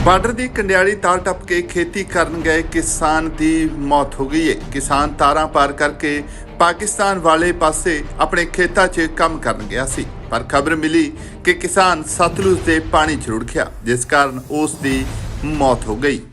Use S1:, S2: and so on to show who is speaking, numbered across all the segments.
S1: Border ਦੀ ਕੰਡਿਆਲੀ ਤਾਰ ਟੱਪ ਕੇ ਖੇਤੀ ਕਰਨ ਗਏ ਕਿਸਾਨ ਦੀ ਮੌਤ ਹੋ ਗਈ ਹੈ। ਕਿਸਾਨ ਤਾਰਾਂ ਪਾਰ ਕਰਕੇ ਪਾਕਿਸਤਾਨ ਵਾਲੇ ਪਾਸੇ ਆਪਣੇ ਖੇਤਾਂ 'ਚ ਕੰਮ ਕਰਨ ਗਿਆ ਸੀ, ਪਰ ਖਬਰ ਮਿਲੀ ਕਿ ਕਿਸਾਨ ਸਤਲੁਜ ਦੇ ਪਾਣੀ 'ਚ ਰੁੜ ਗਿਆ, ਜਿਸ ਕਾਰਨ ਉਸ ਦੀ ਮੌਤ ਹੋ ਗਈ।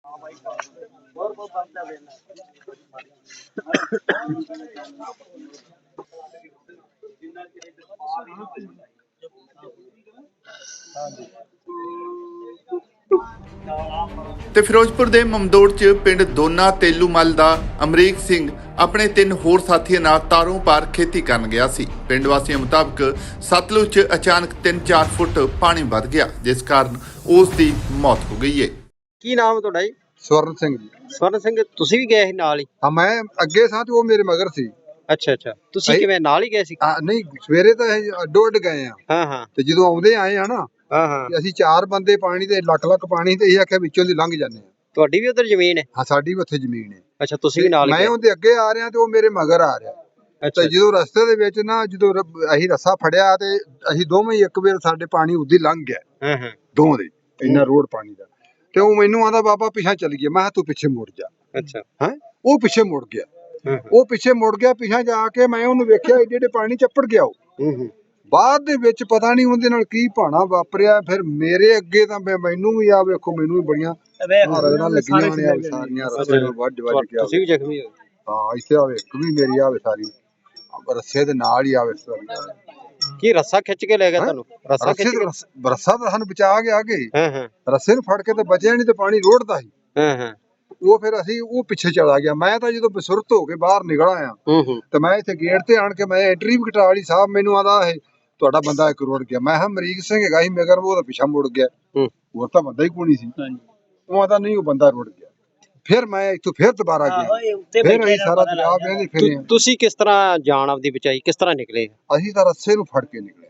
S1: ਤੇ ਫਿਰੋਜ਼ਪੁਰ ਦੇ ਮਮਦੋੜ 'ਚ ਪਿੰਡ ਦੋਨਾ ਤੇਲੂਮਲ ਦਾ ਅਮਰੀਕ ਸਿੰਘ ਆਪਣੇ 3 ਹੋਰ ਸਾਥੀਆਂ ਨਾਲ ਤਾਰੋਂ ਪਾਰ ਖੇਤੀ ਕਰਨ ਗਿਆ ਸੀ। ਪਿੰਡ ਵਾਸੀਆਂ ਮੁਤਾਬਕ ਸਤਲੁਜ 'ਚ ਅਚਾਨਕ 3-4 ਫੁੱਟ ਪਾਣੀ ਵੱਧ ਗਿਆ, ਜਿਸ ਕਾਰਨ ਉਸ ਦੀ ਮੌਤ ਹੋ ਗਈ ਹੈ।
S2: ਕੀ ਨਾਮ ਤੁਹਾਡਾ ਜੀ?
S3: ਸਵਰਨ ਸਿੰਘ ਜੀ।
S2: ਸਵਰਨ ਸਿੰਘ, ਤੁਸੀਂ ਵੀ ਗਏ ਸੀ ਨਾਲ ਹੀ?
S3: ਹਾਂ, ਮੈਂ ਅੱਗੇ ਸਾਂ ਤੇ ਉਹ ਮੇਰੇ ਮਗਰ ਸੀ।
S2: ਅੱਛਾ, ਤੁਸੀਂ ਕਿਵੇਂ ਨਾਲ ਹੀ ਗਏ ਸੀ?
S3: ਨਹੀਂ, ਸਵੇਰੇ ਤਾਂ ਇਹ ਅੱਡੋ ਅੱਡ ਗਏ ਆ।
S2: ਹਾਂ
S3: ਤੇ ਜਦੋਂ ਆਉਂਦੇ ਆਏ ਆ ਨਾ,
S2: ਹਾਂ
S3: ਅਸੀਂ 4 ਬੰਦੇ ਪਾਣੀ ਤੇ ਲੱਖ ਪਾਣੀ ਤੇ ਇਹ ਆਖਿਆ ਵਿੱਚੋਂ ਦੀ ਲੰਘ ਜਾਂਦੇ ਆ।
S2: ਤੁਹਾਡੀ ਵੀ ਉਧਰ ਜ਼ਮੀਨ ਹੈ?
S3: ਹਾਂ, ਸਾਡੀ ਵੀ ਉੱਥੇ ਜ਼ਮੀਨ ਹੈ।
S2: ਅੱਛਾ, ਤੁਸੀਂ ਵੀ ਨਾਲ
S3: ਮੈਂ
S2: ਗਏ?
S3: ਉਹਦੇ ਅੱਗੇ ਆ ਰਿਹਾ ਤੇ ਉਹ ਮੇਰੇ ਮਗਰ ਆ ਰਿਹਾ।
S2: ਅੱਛਾ,
S3: ਤੇ ਜਦੋਂ ਰਸਤੇ ਦੇ ਵਿੱਚ ਨਾ ਅਸੀਂ ਰੱਸਾ ਫੜਿਆ ਤੇ ਅਸੀਂ ਦੋਵੇਂ ਹੀ ਇੱਕ ਵੇਰ ਸਾਡੇ ਪਾਣੀ ਉਦੀ ਲੰਘ ਗਿਆ।
S2: ਹਾਂ
S3: ਦੋਵੇਂ ਦੇ ਇੰਨਾ ਰੋਡ ਪਾਣੀ ਦਾ। ਤੇ ਉਹ ਮੈਨੂੰ ਆਂਦਾ ਬਾਬਾ ਪਿੱਛਾ ਚੱਲ ਗਿਆ। ਮੈਂ ਕਿਹਾ ਤੂੰ ਪਿੱਛੇ ਮੁੜ ਜਾ।
S2: ਅੱਛਾ,
S3: ਉਹ ਪਿੱਛੇ ਮੁੜ ਗਿਆ। ਉਹ ਪਿੱਛੇ ਮੁੜ ਗਿਆ। ਪਿੱਛਾ ਜਾ ਕੇ ਮੈਂ ਉਹਨੂੰ ਵੇਖਿਆ ਜਿਹੜੇ ਪਾਣੀ ਚੱਪੜ ਗਿਆ ਉਹ। ਬਾਅਦ ਦੇ ਵਿੱਚ ਪਤਾ ਨਹੀਂ ਉਹਦੇ ਨਾਲ ਕੀ ਭਾਣਾ ਵਾਪਰਿਆ। ਫਿਰ ਮੇਰੇ ਅੱਗੇ ਤਾਂ ਮੈਨੂੰ ਵੀ ਆ ਵੇਖੋ, ਮੈਨੂੰ ਵੀ ਬੜੀਆਂ ਰਗੜਾਂ ਲੱਗੀਆਂ ਨੇ ਸਾਰੀਆਂ ਰਸੇ ਨਾਲ ਵੱਢ ਕੇ।
S2: ਤੁਸੀਂ ਵੀ ਜ਼ਖਮੀ ਹੋ?
S3: ਹਾਂ, ਇੱਥੇ ਆਵੇ ਇੱਕ ਵੀ ਮੇਰੀ ਆਵੇ ਸਾਰੀ ਰੱਸੇ ਦੇ ਨਾਲ ਹੀ ਆਵੇ ਸਾਰੀ।
S2: ਕੀ ਰੱਸਾ ਖਿੱਚ ਕੇ ਲੈ ਗਿਆ ਤੁਹਾਨੂੰ? ਰੱਸਾ ਖਿੱਚ ਕੇ?
S3: ਰੱਸਾ ਤਾਂ ਸਾਨੂੰ ਬਚਾ ਗਿਆ ਅੱਗੇ।
S2: ਹਾਂ
S3: ਰੱਸੇ ਨੂੰ ਫੜ ਕੇ ਤਾਂ ਬਚਿਆ ਨਹੀਂ ਤੇ ਪਾਣੀ ਰੋੜਦਾ ਸੀ।
S2: ਹਾਂ
S3: ਉਹ ਫਿਰ ਅਸੀਂ ਉਹ ਪਿੱਛੇ ਚਲਾ ਗਿਆ। ਮੈਂ ਤਾਂ ਜਦੋਂ ਬਸੁਰਤ ਹੋ ਕੇ ਬਾਹਰ ਨਿਕਲ ਆਇਆ ਤੇ ਮੈਂ ਇੱਥੇ ਗੇਟ ਤੇ ਆਣ ਕੇ ਮੈਂ ਐਂਟਰੀ ਵੀ ਕਟਾ ਲਈ। ਸਾਹਿਬ ਮੈਨੂੰ ਆਦਾ ਇਹ ਤੁਹਾਡਾ ਬੰਦਾ ਇੱਕ ਰੁੜ ਗਿਆ। ਮੈਂ ਕਿਹਾ ਅਮਰੀਕ ਸਿੰਘ ਹੈਗਾ ਸੀ ਮਗਰ, ਉਹ ਤਾਂ ਪਿੱਛਾ ਮੁੜ ਗਿਆ। ਹੋਰ ਤਾਂ ਬੰਦਾ ਹੀ ਕੋਈ ਨਹੀਂ ਸੀ। ਉਹ ਆਦਾ ਨਹੀਂ, ਉਹ ਬੰਦਾ ਰੁੜ ਗਿਆ। ਫਿਰ ਮੈਂ ਇੱਥੋਂ ਫਿਰ ਦੁਬਾਰਾ ਗਿਆ। ਫਿਰ ਅਸੀਂ ਸਾਰਾ ਦਰਿਆ ਵੇਖਦੇ ਫਿਰੇ।
S2: ਤੁਸੀਂ ਕਿਸ ਤਰ੍ਹਾਂ ਜਾਨ ਆਪਦੀ ਬਚਾਈ? ਕਿਸ ਤਰ੍ਹਾਂ ਨਿਕਲੇ?
S3: ਅਸੀਂ ਤਾਂ ਰੱਸੇ ਨੂੰ ਫੜ ਕੇ ਨਿਕਲੇ।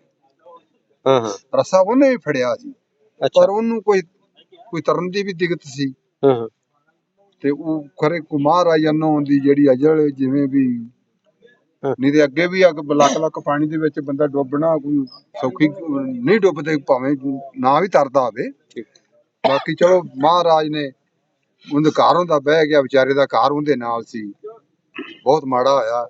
S2: ਹਾਂ
S3: ਰੱਸਾ ਉਹਨੇ ਵੀ ਫੜਿਆ ਸੀ,
S2: ਅੱਛਾ।
S3: ਪਰ ਉਹਨੂੰ ਕੋਈ ਤਰਨ ਦੀ ਵੀ ਦਿੱਕਤ ਸੀ।
S2: ਹਾਂ
S3: ਤੇ ਉਹ ਖਰੇ ਕੁਮਾਰ ਆ ਜਨੋਂ ਦੀ ਜਿਹੜੀ ਅਜਲ ਜਿਵੇਂ ਵੀ, ਨਹੀਂ ਤੇ ਅੱਗੇ ਵੀ ਲੱਖ ਪਾਣੀ ਦੇ ਵਿੱਚ ਬੰਦਾ ਡੁੱਬਣਾ ਕੋਈ ਸੌਖੀ ਨਹੀਂ। ਡੁੱਬਦੇ ਭਾਵੇਂ ਨਾ ਵੀ ਤਰਦਾ ਹੋਵੇ। ਬਾਕੀ ਚਲੋ ਮਹਾਰਾਜ ਨੇ ਉਹਦੇ ਘਰ ਹੁੰਦਾ ਬਹਿ ਗਿਆ। ਵਿਚਾਰੇ ਦਾ ਘਰ ਉਹਦੇ ਨਾਲ ਸੀ। ਬਹੁਤ ਮਾੜਾ ਹੋਇਆ।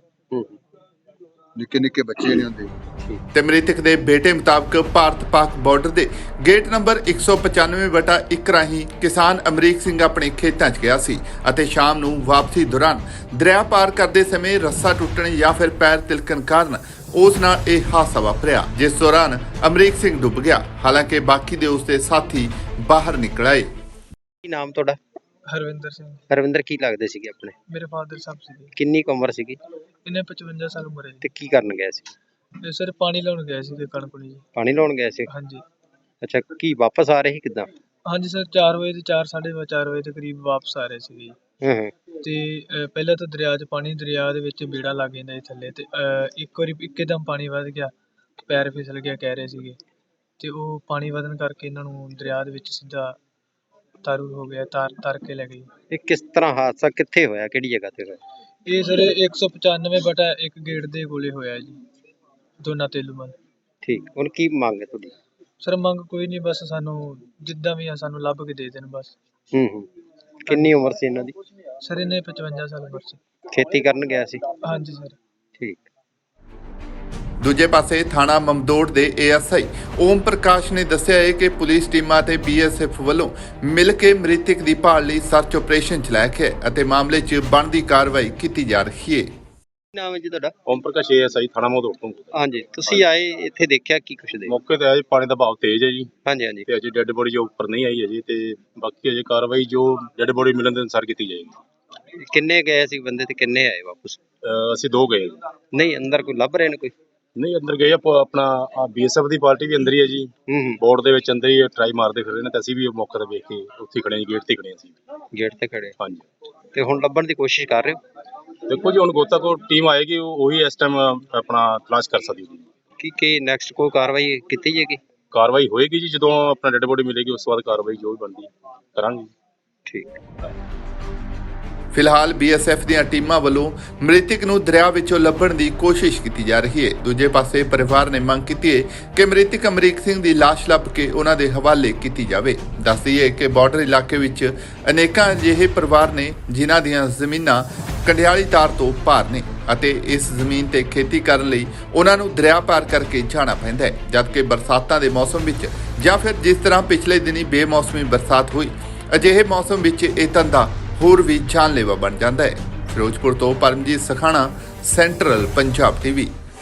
S3: ਨਿੱਕੇ ਨਿੱਕੇ ਬੱਚੇ ਨੇ ਹੁੰਦੇ।
S1: ਤੇ ਮ੍ਰਿਤਕ ਦੇ ਬੇਟੇ ਮੁਤਾਬਕ ਭਾਰਤ-ਪਾਕ ਬਾਰਡਰ ਦੇ ਗੇਟ ਨੰਬਰ 195/1 ਰਾਹੀਂ ਕਿਸਾਨ ਅਮਰੀਕ ਸਿੰਘ ਆਪਣੇ ਖੇਤਾਂ 'ਚ ਗਿਆ ਸੀ ਅਤੇ ਸ਼ਾਮ ਨੂੰ ਵਾਪਸੀ ਦੌਰਾਨ ਦਰਿਆ ਪਾਰ ਕਰਦੇ ਸਮੇਂ ਰੱਸਾ ਟੁੱਟਣ ਜਾਂ ਫਿਰ ਪੈਰ ਤਿਲਕਣ ਕਾਰਨ ਉਸ ਨਾਲ ਇਹ ਹਾਦਸਾ ਵਾਪਰਿਆ, ਜਿਸ ਦੌਰਾਨ ਅਮਰੀਕ ਸਿੰਘ ਡੁੱਬ ਗਿਆ। ਹਾਲਾਂਕਿ ਬਾਕੀ ਦੇ ਉਸਦੇ ਸਾਥੀ ਬਾਹਰ ਨਿਕਲ ਆਏ।
S2: ਕੀ ਨਾਮ ਤੁਹਾਡਾ?
S4: ਹਰਵਿੰਦਰ ਸਿੰਘ।
S2: ਹਰਵਿੰਦਰ, ਕੀ ਲੱਗਦੇ ਸੀਗੇ ਆਪਣੇ?
S4: ਮੇਰੇ ਫਾਦਰ ਸਾਹਿਬ ਸੀਗੇ।
S2: ਕਿੰਨੀ ਕੁ ਉਮਰ ਸੀਗੀ?
S4: ਇਹਨੇ 55 ਸਾਲ ਉਮਰ ਹੈ
S2: ਤੇ ਕੀ ਕਰਨ ਗਏ ਸੀ?
S4: ਜੀ ਸਰ ਪਾਣੀ ਲਾਉਣ ਗਏ ਸੀ ਕਣਕ ਨੂੰ ਜੀ।
S2: ਪਾਣੀ ਲਾਉਣ ਗਏ ਸੀ?
S4: ਹਾਂਜੀ
S2: ਅੱਛਾ, ਕੀ ਵਾਪਸ ਆ ਰਹੇ ਸੀ ਕਿੱਦਾਂ?
S4: ਹਾਂਜੀ ਸਰ, 4 ਵਜੇ ਤੇ 4:30 ਵਜੇ ਦੇ ਕਰੀਬ ਵਾਪਸ ਆ ਰਹੇ ਸੀਗੇ ਜੀ। ਤੇ ਪਹਿਲਾਂ ਤਾਂ ਦਰਿਆ ਦੇ ਵਿੱਚ ਬੇੜਾ ਲੱਗ ਜਾਂਦਾ ਜੀ ਥੱਲੇ। ਤੇ ਇੱਕ ਵਾਰੀ ਇੱਕਦਮ ਪਾਣੀ ਵੱਧ ਗਿਆ, ਪੈਰ ਫਿਸਲ ਗਿਆ ਕਹਿ ਰਹੇ ਸੀਗੇ। ਤੇ ਉਹ ਪਾਣੀ ਵਧਣ ਕਰਕੇ ਇਹਨਾਂ ਨੂੰ ਦਰਿਆ ਦੇ ਵਿੱਚ ਸਿੱਧਾ ਤਾਰੂ ਹੋ ਗਿਆ। ਤਰ ਕੇ ਲੈ ਗਈ।
S2: ਇਹ ਕਿਸ ਤਰ੍ਹਾਂ ਹਾਦਸਾ ਕਿੱਥੇ ਹੋਇਆ? ਕਿਹੜੀ ਜਗ੍ਹਾ ਤੇ ਹੋਇਆ?
S4: ਇਹ ਸਰ 195/1 ਗੇਟ ਦੇ ਕੋਲੇ ਹੋਇਆ ਜੀ, ਦੋਨਾ ਤੇਲੂਮਲ।
S2: ਠੀਕ, ਹੁਣ ਕੀ ਮੰਗ ਹੈ ਤੁਹਾਡੀ?
S4: ਸਰ ਮੰਗ ਕੋਈ ਨਹੀਂ, ਬਸ ਸਾਨੂੰ ਜਿੱਦਾਂ ਵੀ ਆ ਸਾਨੂੰ ਲੱਭ ਕੇ ਦੇ ਦੇਣ ਬਸ।
S2: ਕਿੰਨੀ ਉਮਰ ਸੀ ਇਹਨਾਂ ਦੀ?
S4: ਸਰ ਇਹਨੇ 55 ਸਾਲ ਉਮਰ ਸੀ।
S2: ਖੇਤੀ ਕਰਨ ਗਿਆ ਸੀ?
S4: ਹਾਂਜੀ ਸਰ।
S2: ਠੀਕ।
S1: ਦੂਜੇ ਪਾਸੇ ਥਾਣਾ ਮਮਦੋੜ ਦੇ ਏਐਸਆਈ ਓਮ ਪ੍ਰਕਾਸ਼ ਨੇ ਦੱਸਿਆ ਹੈ ਕਿ ਪੁਲਿਸ ਟੀਮਾਂ ਤੇ ਬੀਐਸਐਫ ਵੱਲੋਂ ਮਿਲ ਕੇ ਮ੍ਰਿਤਕ ਦੀ ਭਾਲ ਲਈ ਸਰਚ ਆਪਰੇਸ਼ਨ ਚਲਾਇਆ ਗਿਆ ਅਤੇ ਮਾਮਲੇ 'ਚ ਬਣਦੀ ਕਾਰਵਾਈ ਕੀਤੀ ਜਾ ਰਹੀ ਹੈ।
S2: ਕੀ ਨਾਮ ਹੈ ਜੀ ਤੁਹਾਡਾ?
S5: ਓਮ ਪ੍ਰਕਾਸ਼ ਏਐਸਆਈ ਥਾਣਾ ਮਮਦੋੜ ਤੋਂ।
S2: ਹਾਂਜੀ, ਤੁਸੀਂ ਆਏ ਇੱਥੇ ਦੇਖਿਆ ਕੀ ਕੁਛ ਦੇ?
S5: ਮੌਕੇ ਤੇ ਆਏ, ਪਾਣੀ ਦਾ ਬਹਾਅ ਤੇਜ਼ ਹੈ ਜੀ।
S2: ਹਾਂਜੀ
S5: ਤੇ ਅਜੇ ਡੈੱਡ ਬੋਡੀ ਜੋ ਉੱਪਰ ਨਹੀਂ ਆਈ ਹੈ ਜੀ। ਤੇ ਬਾਕੀ ਅਜੇ ਕਾਰਵਾਈ ਜੋ ਡੈੱਡ ਬੋਡੀ ਮਿਲਣ ਦੇ ਅਨੁਸਾਰ ਕੀਤੀ ਜਾਏਗੀ।
S2: ਕਿੰਨੇ ਗਏ ਸੀ ਬੰਦੇ ਤੇ ਕਿੰਨੇ ਆਏ ਵਾਪਸ?
S5: ਅਸੀਂ 2 ਗਏ।
S2: ਨਹੀਂ, ਅੰਦਰ ਕੋਈ ਲੱਭ ਰਹੇ ਨੇ ਕੋਈ?
S5: ਨਹੀਂ, ਅੰਦਰ ਗਏ ਆਪਣਾ ਬੀਐਸਐਫ ਦੀ ਪਾਰਟੀ ਵੀ ਅੰਦਰ ਹੀ ਹੈ ਜੀ। ਬੋਰਡ ਦੇ ਵਿੱਚ ਅੰਦਰ ਹੀ ਟਰਾਈ ਮਾਰਦੇ ਫਿਰ ਰਹੇ ਨੇ। ਤੇ ਅਸੀਂ ਵੀ ਮੌਕੇ ਤੇ ਵੇਖ ਕੇ ਉੱਥੇ ਖੜੇ ਜੀ, ਗੇਟ ਤੇ ਖੜੇ ਅਸੀਂ।
S2: ਗੇਟ ਤੇ ਖੜੇ?
S5: ਹਾਂਜੀ।
S2: ਤੇ ਹੁਣ ਲੱਭਣ ਦੀ ਕੋਸ਼ਿਸ਼ ਕਰ ਰਹੇ ਹੋ?
S5: ਦੇਖੋ ਜੀ, ਹੁਣ ਗੋਤਾਖੋਰ ਟੀਮ ਆਏਗੀ, ਉਹੀ ਇਸ ਟਾਈਮ ਆਪਣਾ ਤਲਾਸ਼ ਕਰ ਸਕਦੀ ਜੀ।
S2: ਕੀ ਨੈਕਸਟ ਕੋਈ ਕਾਰਵਾਈ ਕੀਤੀ ਜਾਏਗੀ?
S5: ਕਾਰਵਾਈ ਹੋਏਗੀ ਜੀ, ਜਦੋਂ ਆਪਣਾ ਡੈੱਡ ਬੋਡੀ ਮਿਲੇਗੀ ਉਸ ਤੋਂ ਬਾਅਦ ਕਾਰਵਾਈ ਜੋ ਵੀ ਬਣਦੀ ਕਰਾਂਗੇ।
S2: ਠੀਕ।
S1: ਫਿਲਹਾਲ BSF ਦੀਆਂ ਟੀਮਾਂ ਵੱਲੋਂ ਮ੍ਰਿਤਕ ਨੂੰ ਦਰਿਆ ਵਿੱਚੋਂ ਲੱਭਣ ਦੀ ਕੋਸ਼ਿਸ਼ ਕੀਤੀ ਜਾ ਰਹੀ ਹੈ। ਦੂਜੇ ਪਾਸੇ ਪਰਿਵਾਰ ਨੇ ਮੰਗ ਕੀਤੀ ਹੈ ਕਿ ਮ੍ਰਿਤਕ ਅਮਰੀਕ ਸਿੰਘ ਦੀ ਲਾਸ਼ ਲੱਭ ਕੇ ਉਹਨਾਂ ਦੇ ਹਵਾਲੇ ਕੀਤੀ ਜਾਵੇ। ਦੱਸ ਦਈਏ ਕਿ ਬਾਰਡਰ ਇਲਾਕੇ ਵਿੱਚ ਅਨੇਕਾਂ ਅਜਿਹੇ ਪਰਿਵਾਰ ਨੇ ਜਿਨ੍ਹਾਂ ਦੀਆਂ ਜ਼ਮੀਨਾਂ ਕੰਡਿਆਲੀ ਤਾਰ ਤੋਂ ਪਾਰ ਨੇ ਅਤੇ ਇਸ ਜ਼ਮੀਨ ਤੇ ਖੇਤੀ ਕਰਨ ਲਈ ਉਹਨਾਂ ਨੂੰ ਦਰਿਆ ਪਾਰ ਕਰਕੇ ਜਾਣਾ ਪੈਂਦਾ ਹੈ, ਜਦਕਿ ਬਰਸਾਤਾਂ ਦੇ ਮੌਸਮ ਵਿੱਚ ਜਾਂ ਫਿਰ ਜਿਸ ਤਰ੍ਹਾਂ ਪਿਛਲੇ ਦਿਨੀ ਬੇਮੌਸਮੀ ਬਰਸਾਤ ਹੋਈ, ਅਜਿਹੇ ਮੌਸਮ ਵਿੱਚ ਇਹ ਧੰਦਾ ਹੋਰ ਵੀ ਜਾਨਲੇਵਾ ਬਣ ਜਾਂਦਾ ਹੈ। ਫਿਰੋਜ਼ਪੁਰ ਤੋਂ ਪਰਮਜੀਤ ਸਖਾਣਾ, ਸੈਂਟਰਲ ਪੰਜਾਬ TV।